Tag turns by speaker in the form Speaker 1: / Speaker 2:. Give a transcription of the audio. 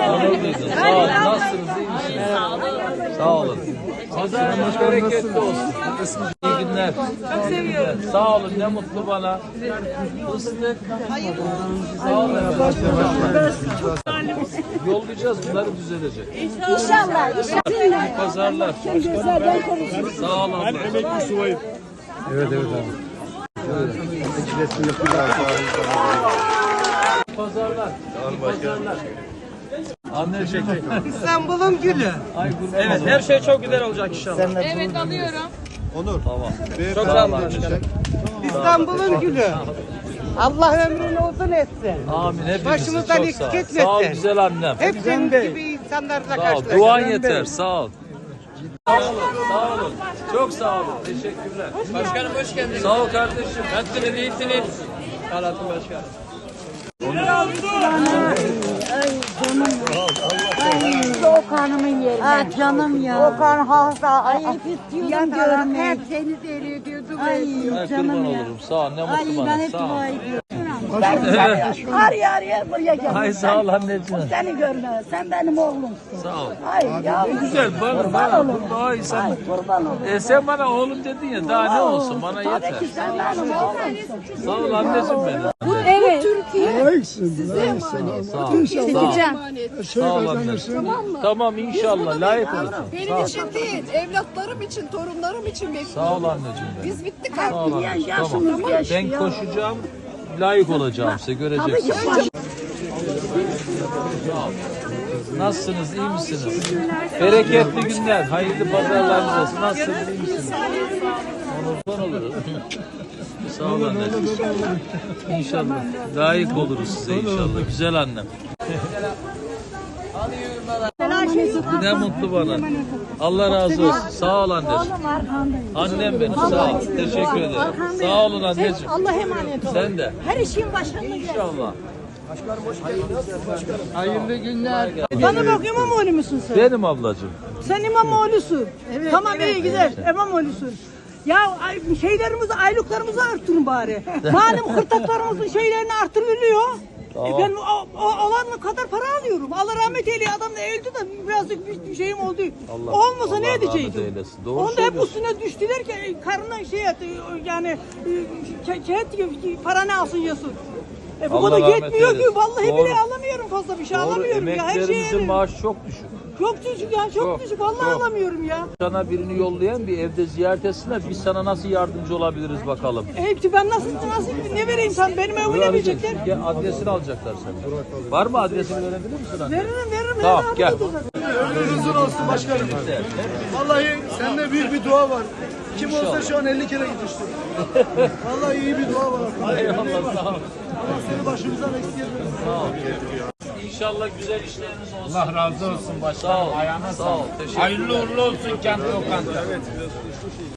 Speaker 1: Onur duydum. Sağ olun. Nasılsınız? İyi misiniz? Sağ olun. Pazarınız bereketli olsun. İyi günler. Çok seviyorum. Sağ olun. Ne mutlu bana. Fıstık. Sağ olun. Yollayacağız. Bunları düzelecek.
Speaker 2: İnşallah.
Speaker 1: İyi pazarlar. Sağ olun.
Speaker 3: Emekli subayım.
Speaker 4: Evet abi.
Speaker 1: Pazarlar. İyi pazarlar. Anneciğim.
Speaker 5: İstanbul'un gülü.
Speaker 3: Evet, her şey çok güzel olacak inşallah.
Speaker 6: Evet alıyorum.
Speaker 1: Tamam.
Speaker 3: Çok sağ olun başkanım.
Speaker 5: İstanbul'un gülü. Allah ömrünü uzun etsin.
Speaker 1: Amin. Hepimizi
Speaker 5: Başımızdan
Speaker 1: çok
Speaker 5: eksik
Speaker 1: sağ ol.
Speaker 5: etmesin.
Speaker 1: Sağ ol güzel annem.
Speaker 5: Hep senin gibi insanlarla
Speaker 1: Sağ ol.
Speaker 5: karşılaştık.
Speaker 1: Duan yeter. Sağ ol. Sağ olun. Sağ olun. Çok sağ olun. Teşekkürler.
Speaker 3: Başkanım hoş geldiniz.
Speaker 1: Sağ ol kardeşim.
Speaker 3: Nasılsınız, iyisiniz? Alatın başkanım.
Speaker 2: Okan'ımın yerine. Ah canım ya. Okan hasta. Ay hep istiyordum görmeyi. Hep seni seyrediyordu. Ay
Speaker 1: Ay kurban
Speaker 2: canım ya.
Speaker 1: olurum. Sağ ol. Ne
Speaker 2: Ay
Speaker 1: mutlu
Speaker 2: ben
Speaker 1: bana.
Speaker 2: hep
Speaker 1: Sağ ol.
Speaker 2: dua ediyorum. Araya araya buraya gel.
Speaker 1: Ay sağ ol anneciğim.
Speaker 2: Seni görme. Sen benim oğlumsun.
Speaker 1: Sağ ol.
Speaker 2: Ay yavrum.
Speaker 1: Güzel bana.
Speaker 2: Kurban olurum.
Speaker 1: Ay sen.
Speaker 2: Ay kurban olurum.
Speaker 1: Sen bana oğlum dedin ya. Daha ne olsun? Bana yeter.
Speaker 2: Tabii ki sen benim oğlumsun.
Speaker 1: Sağ ol anneciğim benim.
Speaker 2: Evet.
Speaker 1: Sağ ol. Sağ ol anneciğim. Tamam inşallah. Layık olsun.
Speaker 6: Benim için değil, evlatlarım için, torunlarım için bekliyorum.
Speaker 1: Sağ ol anneciğim benim.
Speaker 6: Biz bittik
Speaker 1: Sağ
Speaker 6: artık.
Speaker 1: ol anneciğim.
Speaker 2: Yaşımız
Speaker 1: Tamam.
Speaker 2: geçti
Speaker 1: Ben
Speaker 2: ya.
Speaker 1: koşacağım. Layık olacağım size. Göreceksiniz. Nasılsınız? İyi misiniz? Bereketli günler. Hayırlı pazarlarınız olsun. Nasılsınız? İyi misiniz? Onurdan olurum. Sağ ol anneciğim. İnşallah. Layık oluruz size inşallah. Güzel annem. Ne mutlu bana. Allah razı olsun. Sağ ol anneciğim. Annem benim. Sağ ol. Teşekkür ederim. Sağ olun anneciğim.
Speaker 2: Allah emanet ol.
Speaker 1: Sen de.
Speaker 2: Her işin başında gel.
Speaker 1: İnşallah.
Speaker 4: Hayırlı günler.
Speaker 5: Bana bak İmamoğlu musun sen?
Speaker 1: Benim ablacığım.
Speaker 5: Sen İmamoğlu'sun. Tamam iyi güzel. İmamoğlu'sun. Ya şeylerimizi, aylıklarımızı arttırın bari. Malum hırtaklarımızın şeylerini arttırılıyor.
Speaker 1: Tamam.
Speaker 5: Ben olan kadar para alıyorum. Allah rahmet eyleye adam da öldü de birazcık bir şeyim oldu. Olmasa
Speaker 1: Allah
Speaker 5: ne
Speaker 1: rahmet
Speaker 5: edecektim?
Speaker 1: eylesin. Doğru
Speaker 5: Onda hep
Speaker 1: söylüyorsun.
Speaker 5: üstüne düştüler ki karnına şey etti, yani para ne alsın yesin. Bu
Speaker 1: Allah
Speaker 5: kadar
Speaker 1: rahmet
Speaker 5: yetmiyor ki
Speaker 1: eylesin.
Speaker 5: vallahi
Speaker 1: Doğru.
Speaker 5: bile alamıyorum fazla bir şey
Speaker 1: Doğru.
Speaker 5: alamıyorum ya her
Speaker 1: Emeklerimizin
Speaker 5: şeye.
Speaker 1: maaşı çok düşük.
Speaker 5: Çok düşük ya çok
Speaker 1: Çok,
Speaker 5: düşük vallahi
Speaker 1: çok.
Speaker 5: alamıyorum ya.
Speaker 1: Sana birini yollayan bir evde ziyaret etsinler. Biz sana nasıl yardımcı olabiliriz bakalım.
Speaker 5: Hepsi ben nasıl ne vereyim sen benim evime ne verecekler?
Speaker 1: Gel, adresini alacaklar senden. Var mı adresini verebilir misin anne?
Speaker 5: Veririm.
Speaker 1: Tamam gel.
Speaker 3: Ömrünüz uzun olsun başkanım. Vallahi sende büyük bir dua var. Kim olsa şu an 50 kere gitmiştir. Vallahi iyi bir dua var.
Speaker 1: Eyvallah sağ ol.
Speaker 3: Allah seni başımızdan eksik etmesin.
Speaker 1: Sağ ol. İnşallah güzel işleriniz olsun.
Speaker 4: Allah razı olsun başkanım.
Speaker 1: Sağ ol. Sağ ol. Teşekkür
Speaker 4: Hayırlı uğurlu olsun kendi lokanta.